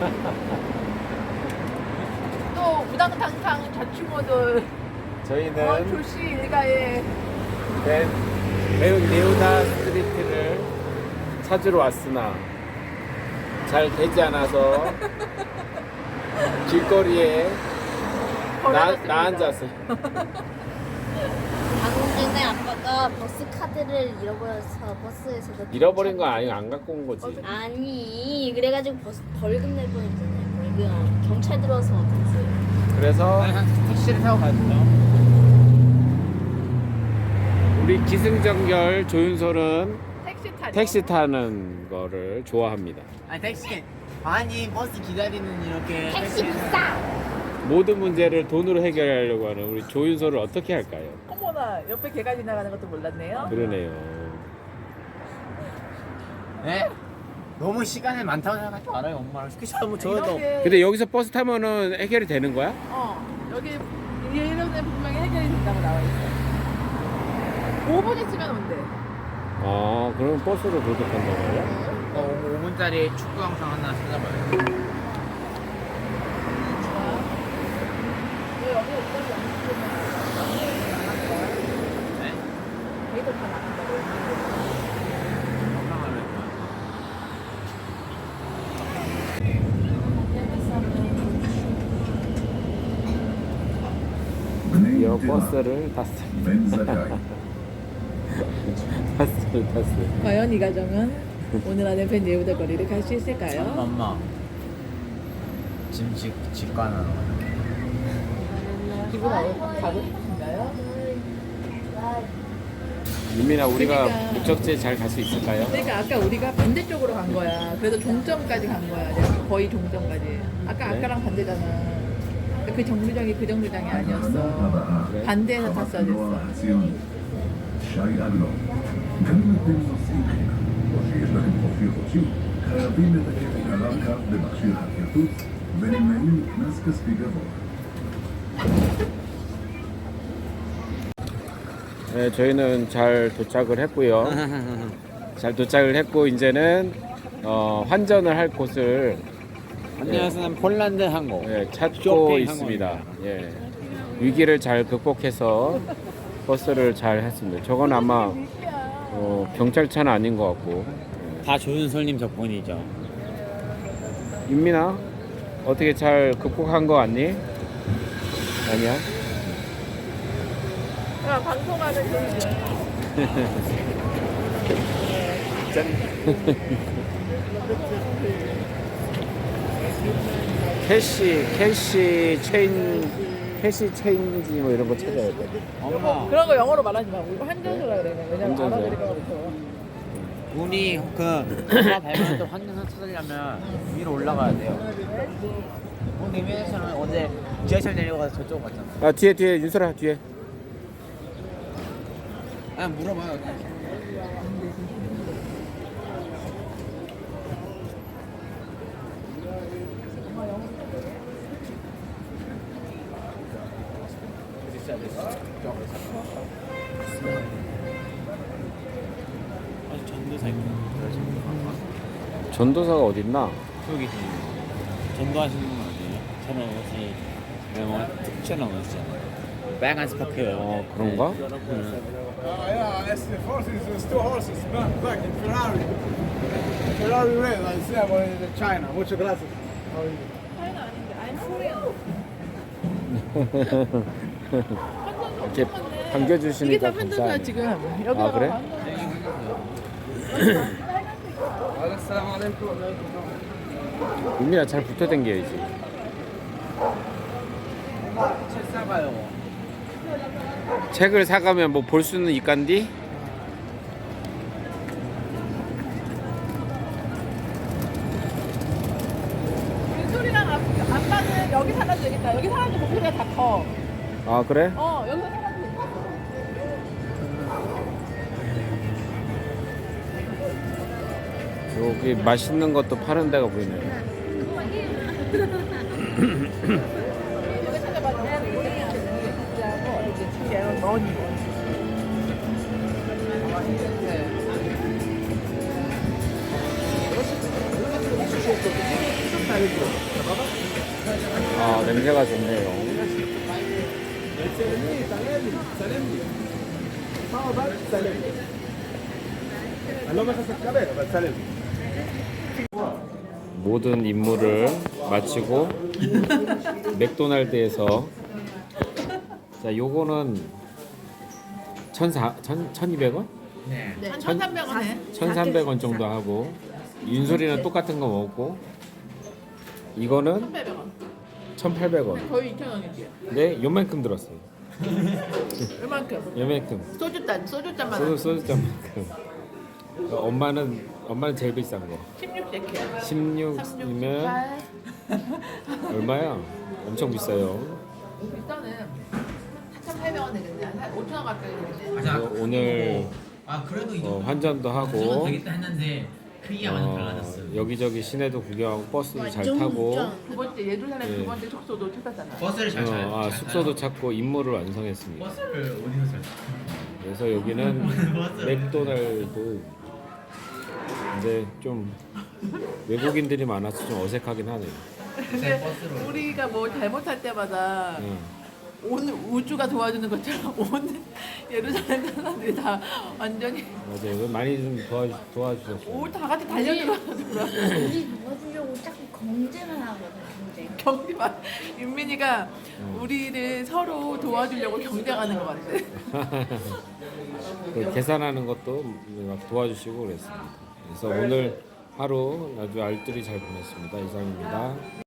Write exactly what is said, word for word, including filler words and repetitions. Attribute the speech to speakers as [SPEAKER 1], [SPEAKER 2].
[SPEAKER 1] 또 우당탕탕 자충어들
[SPEAKER 2] 저희는
[SPEAKER 1] 어, 조씨 일가에
[SPEAKER 2] 네, 매운 네오다 스트리트를 찾으러 왔으나 잘 되지 않아서 길거리에 나,
[SPEAKER 1] 버려졌습니다.
[SPEAKER 2] 나 앉았어요.
[SPEAKER 3] 방금 전에 아빠가 버스 카드를 잃어버려서 버스에서도
[SPEAKER 2] 잃어버린 거 아니고 안 갖고 온 거지.
[SPEAKER 3] 아니 그래가지고 버스 벌금 낼 뻔했잖아요. 벌금 경찰 들어서 어땠어요?
[SPEAKER 2] 그래서
[SPEAKER 4] 택시를 타고 가죠.
[SPEAKER 2] 우리 기승전결 조윤솔은
[SPEAKER 1] 택시 타려.
[SPEAKER 2] 택시 타는 거를 좋아합니다.
[SPEAKER 4] 아니 택시 아니 버스 기다리는 이렇게
[SPEAKER 3] 택시 비싸.
[SPEAKER 2] 모든 문제를 돈으로 해결하려고 하는 우리 조윤솔을 어떻게 할까요?
[SPEAKER 1] 어머나 옆에 개가 지나가는 것도 몰랐네요.
[SPEAKER 2] 그러네요.
[SPEAKER 4] 네? 너무 시간이 많다고 생각하지 말아요. 엄마랑 스케줄 한번 저도
[SPEAKER 1] 이렇게
[SPEAKER 2] 근데 여기서 버스 타면은 해결이 되는 거야?
[SPEAKER 1] 어 여기 이런데 분명히 해결이 된다고 나와 있어. 오 분 있으면 온대.
[SPEAKER 2] 아, 그럼 버스로 그렇게 탄다고 해요?
[SPEAKER 4] 어, 오 분짜리 축구 영상 하나 찾아봐요.
[SPEAKER 1] 여기 여기까지
[SPEAKER 4] 네?
[SPEAKER 1] 데이터 다 나간다고.
[SPEAKER 4] 영상을
[SPEAKER 2] 여 버스를 탔습니다. 탔어요, 탔어요.
[SPEAKER 1] 과연 이 가정은 오늘 안에 벤 예우다 거리를 갈 수 있을까요?
[SPEAKER 4] 엄마 지금 직 직관하러 가요.
[SPEAKER 1] 기분 어떠- 가고 싶으신가요?
[SPEAKER 2] 유민아, 우리가
[SPEAKER 1] 그러니까.
[SPEAKER 2] 목적지에 잘 갈 수 있을까요?
[SPEAKER 1] 그러니까 아까 우리가 반대쪽으로 간 거야. 그래도 종점까지 간 거야. 내가 거의 종점까지. 아까
[SPEAKER 2] 그래?
[SPEAKER 1] 아까랑 반대잖아. 그 정류장이 그 정류장이 아니었어.
[SPEAKER 2] 그래?
[SPEAKER 1] 반대에서 탔어야 됐어.
[SPEAKER 5] كلمة بالنصيحة وفي لكم توفير وشيء خياطين تكفي علاقة بمכשיר הכרטוס ונמנעים קנס כספי גבוה.
[SPEAKER 2] 네, 저희는 잘 도착을 했고요. 잘 도착을 했고 이제는 어, 환전을 할 곳을
[SPEAKER 4] 안녕하세요. 폴란드 항공.
[SPEAKER 2] 예, 찾고
[SPEAKER 4] 쇼핑
[SPEAKER 2] 있습니다. 예. 위기를 잘 극복해서 버스를 잘 했습니다. 저건 아마 어, 경찰차는 아닌 것 같고.
[SPEAKER 4] 다 조윤솔님 덕분이죠.
[SPEAKER 2] 윤민아, 어떻게 잘 극복한 거 같니? 아니야?
[SPEAKER 1] 야, 방송하는 그
[SPEAKER 2] 짠. 캐시, 캐시 체인, 캐시 체인지 뭐 이런 거 찾아야 돼.
[SPEAKER 4] 엄마,
[SPEAKER 1] 그런 거 영어로 말하지 마. 우리 환전소라 그래. 왜냐면
[SPEAKER 2] 환전소.
[SPEAKER 1] 알아들을까 못해.
[SPEAKER 4] 우리 그 엄마 발견했던 환경선 찾으려면 위로 올라가야 돼요. 오늘 이메일에서는 어제 지하철 내려가서 저쪽 갔잖아.
[SPEAKER 2] 아, 뒤에, 뒤에, 윤설아, 뒤에.
[SPEAKER 4] 아 물어봐요. 아니 전도사 있구나.
[SPEAKER 2] 전도사가 어딨나?
[SPEAKER 4] 여기 전도하시는 분 아니에요? 저는 옷이 뭔가 특별한 옷이잖아요. 빨간 스파크.
[SPEAKER 2] 어, 그런가?
[SPEAKER 6] Uh, yeah, it's the horses, it's two horses, black, black in Ferrari. Ferrari red, I see about it in China. Muchas gracias. How are you?
[SPEAKER 1] 차이는 아닌데. I'm Korean.
[SPEAKER 2] 이렇게
[SPEAKER 1] 이게
[SPEAKER 2] 반겨주시니까
[SPEAKER 1] 다 환전소야
[SPEAKER 2] 감사하네.
[SPEAKER 1] 지금. 여기
[SPEAKER 2] 아, 그래?
[SPEAKER 6] Assalamu alaikum.
[SPEAKER 2] 윤민아, 잘 붙어 댕겨야지.
[SPEAKER 4] 책 사가요.
[SPEAKER 2] 책을 사가면 뭐 볼 수는 있간디?
[SPEAKER 1] 윤솔이랑 아빠는 여기 살아도 되겠다. 여기 살아도 목소리가 다 커.
[SPEAKER 2] 아, 그래?
[SPEAKER 1] 어, 여기서 살아도 되겠다.
[SPEAKER 2] 여기 맛있는 것도 파는 데가 보이네.
[SPEAKER 1] 여기 찾아봐. 이게 머니.
[SPEAKER 2] 아 냄새가 좋네요.
[SPEAKER 6] سلمني سلمني سلمني اه بس سلمني قال له بس الكاميرا بس سلمني
[SPEAKER 2] 모든 임무를 마치고 맥도날드에서 자 요거는 천사 천 천이백 원?
[SPEAKER 4] 네.
[SPEAKER 1] 네, 천삼백 원에.
[SPEAKER 2] 천삼백 원 정도 하고 윤솔이는 똑같은 거 먹고 이거는
[SPEAKER 1] 천팔백 원.
[SPEAKER 2] 천팔백 원.
[SPEAKER 1] 거의 이천 원이지.
[SPEAKER 2] 네, 요만큼 들었어요.
[SPEAKER 1] 이만큼.
[SPEAKER 2] 요만큼.
[SPEAKER 1] 소주잔, 소주잔만.
[SPEAKER 2] 소주 소주잔만큼. 어, 엄마는 엄마는 제일 비싼 거.
[SPEAKER 1] 십육 세키야.
[SPEAKER 2] 십육이면 얼마야? 엄청 비싸요.
[SPEAKER 1] 일단은 사천팔백 원 되겠네. 한 오천 원 가까이 되겠네.
[SPEAKER 2] 그래서 오늘
[SPEAKER 4] 아 그래도 이
[SPEAKER 2] 어,
[SPEAKER 4] 정도
[SPEAKER 2] 환전도 하고
[SPEAKER 4] 되겠다 했는데 크기가 많이
[SPEAKER 2] 어,
[SPEAKER 4] 달라졌어요.
[SPEAKER 2] 여기저기 시내도 구경하고 버스도 잘
[SPEAKER 3] 완전
[SPEAKER 2] 타고
[SPEAKER 3] 운전.
[SPEAKER 1] 두 번째 예루살렘
[SPEAKER 2] 네.
[SPEAKER 1] 두 번째 숙소도 찾았잖아.
[SPEAKER 4] 버스를 잘 타요.
[SPEAKER 2] 어, 아, 숙소도 찾고 임무를 완성했습니다.
[SPEAKER 4] 버스를 어디서 잘?
[SPEAKER 2] 그래서 여기는 맥도날드 이제 좀 외국인들이 많아서 좀 어색하긴 하네요.
[SPEAKER 1] 근데
[SPEAKER 4] 버스로.
[SPEAKER 1] 우리가 뭐 잘못할 때마다
[SPEAKER 2] 응.
[SPEAKER 1] 온 우주가 도와주는 것처럼 온 예루살렘 사람들이 다 완전히
[SPEAKER 2] 맞아요. 이거 많이 좀 도와주, 도와주셨어요.
[SPEAKER 1] 오 다 같이 달려들어서
[SPEAKER 3] 우리 도와주려고 자꾸 경제만 하거든 경제.
[SPEAKER 1] 경기만 윤민이가
[SPEAKER 2] 음.
[SPEAKER 1] 우리를 서로 도와주려고 경쟁하는 것 같아.
[SPEAKER 2] 그 계산하는 것도 막 도와주시고 그랬습니다. 그래서 오늘 하루 아주 알뜰히 잘 보냈습니다. 이상입니다.